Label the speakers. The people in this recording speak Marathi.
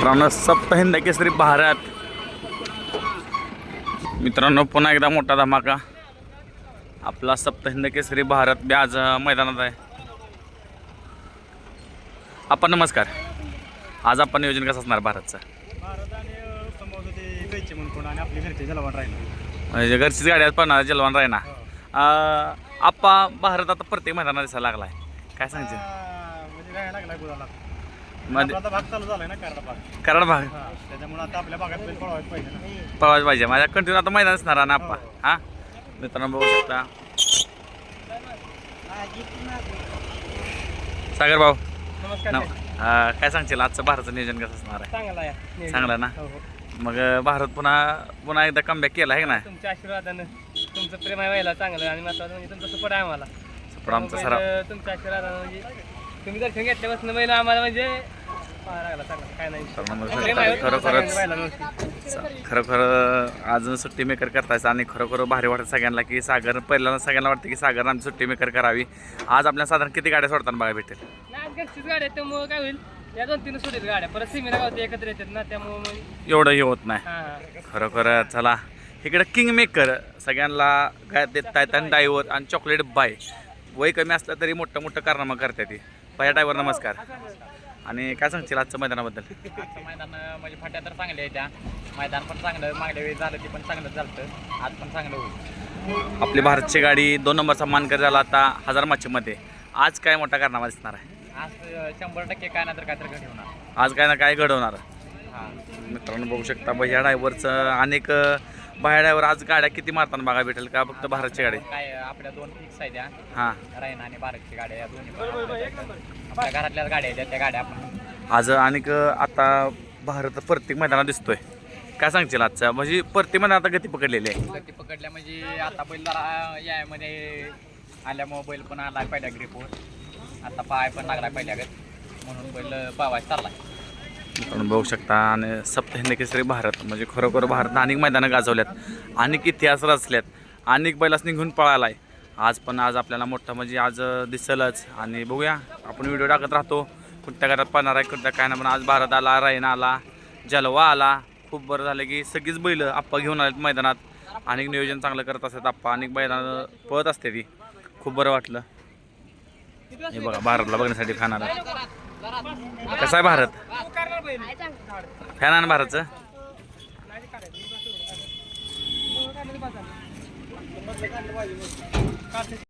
Speaker 1: मित्रांनो सप्तहिंद केसरी भारत मित्रांनो पुन्हा एकदा मोठा धमाका आपला सप्तहिंद केसरी भारत बी आज मैदानात आहे। आपण नमस्कार, आज आपण नियोजन कसं असणार भारतचं? म्हणजे घरचीच गाडी आज पडणार जलवान राय ना आप्पा भारत आता प्रत्येक मैदानात दिसायला लागलाय, काय सांगते? कराड भाग पळवायचं पाहिजे माझ्या कंटिन्यू आता मैदान असणार ना आप्पा। हा मित्रांनो बघू शकता सागर भाऊ काय सांगशील आजचं भारताचं नियोजन कसं असणार आहे? चांगलं ना? मग भारत पुन्हा एकदा कमबॅक केला आहे ना?
Speaker 2: तुमच्या आशीर्वादानं तुमचं प्रेम आहे व्हायला चांगलं आणि महत्वाचं म्हणजे तुमचं सपोर्ट आहे आम्हाला।
Speaker 1: सपोर्ट आमचा सराव
Speaker 2: तुमच्या आशीर्वादानं म्हणजे तुम्ही दर्शन घेतल्यापासून महिला आम्हाला म्हणजे लागला चांगला काय नाही
Speaker 1: खरोखर अजून सुट्टी मेकर करतायचं आणि खरोखर भारी वाटत सगळ्यांना की सागर पहिल्यांदा सगळ्यांना वाटतं की सागर आमची सुट्टी मेकर करावी। आज आपल्याला साधारण किती गाड्या सोडताना बघायला भेटेल?
Speaker 2: आज घरचीच गाड्या त्यामुळं काय होईल या 2-3 सोडीत गाड्या परत सिमीला गावते एकत्र येतात ना त्यामुळं
Speaker 1: एवढं हे होत नाही। खरोखर चला इकडे किंग मेकर सगळ्यांना काय देत आहेत आणि ड्रायव्हर आणि चॉकलेट बाय वय कमी असलं तरी मोठं मोठं कारनामा करते ती पहिल्या ड्रायव्हर नमस्कार। आणि काय सांगशील आजच्या मैदानाबद्दल?
Speaker 2: आजचं मैदान म्हणजे फाट्या तर चांगल्या आहे, त्या मैदान पण चांगलं मागल्या वेळी झालं ते पण चांगलं चालतं, आज पण चांगलं होईल।
Speaker 1: आपली भारतची गाडी 2 नंबरचा मानकर झाला आता हजार माचीमध्ये, आज काय मोठा कारनामा दिसणार आहे?
Speaker 2: आज 100% काय ना तर काय तर घडवणार,
Speaker 1: आज काय ना काय घडवणार।
Speaker 2: हां
Speaker 1: मित्रांनो बघू शकता भैया ड्रायव्हरचं अनेक भैया ड्रायव्हर आज गाड्या किती मारताना बघा भेटेल का? फक्त भारतची गाडी
Speaker 2: काय आपल्या 2 फिक्स आहेत त्या
Speaker 1: हां
Speaker 2: रायना आणि भारतची गाड्या या दोन्ही आपल्या घरातल्याच गाड्या आहेत त्या गाड्या आपण
Speaker 1: आज अनेक आता भारत प्रत्येक मैदानात दिसतोय, काय सांगशील आजचा? म्हणजे प्रत्येक मैदानात आता गती पकडलेली आहे।
Speaker 2: गती पकडल्या म्हणजे आता बैल जरा यामध्ये आल्यामुळे बैल पण आला पहिल्या ग्रीपवर, आता पाय पण लागला पहिल्या गत म्हणून बैल पावायला चालला।
Speaker 1: आपण बघू शकता आणि सप्तहिंद केसरी भारत म्हणजे खरोखर भारत अनेक मैदानं गाजवल्यात, अनेक इतिहास रचल्यात, अनेक बैलास निघून पळाला आहे। आज आपल्याला मोठं म्हणजे आज दिसलंच आणि बघूया आपण व्हिडिओ टाकत राहतो कुठल्या घरात पाहणार आहे कुठल्या काय ना, पण आज भारत आला, रायना आला, जलवा आला, खूप बरं झालं की सगळीच बैल आप्पा घेऊन आलेत मैदानात, अनेक नियोजन चांगलं करत असतात आप्पा, अनेक बैलांना पळत असते ती, खूप बरं वाटलं। हे बघा भारतला बघण्यासाठी खाणार कसं आहे भारत फॅन आहे ना भारतचं?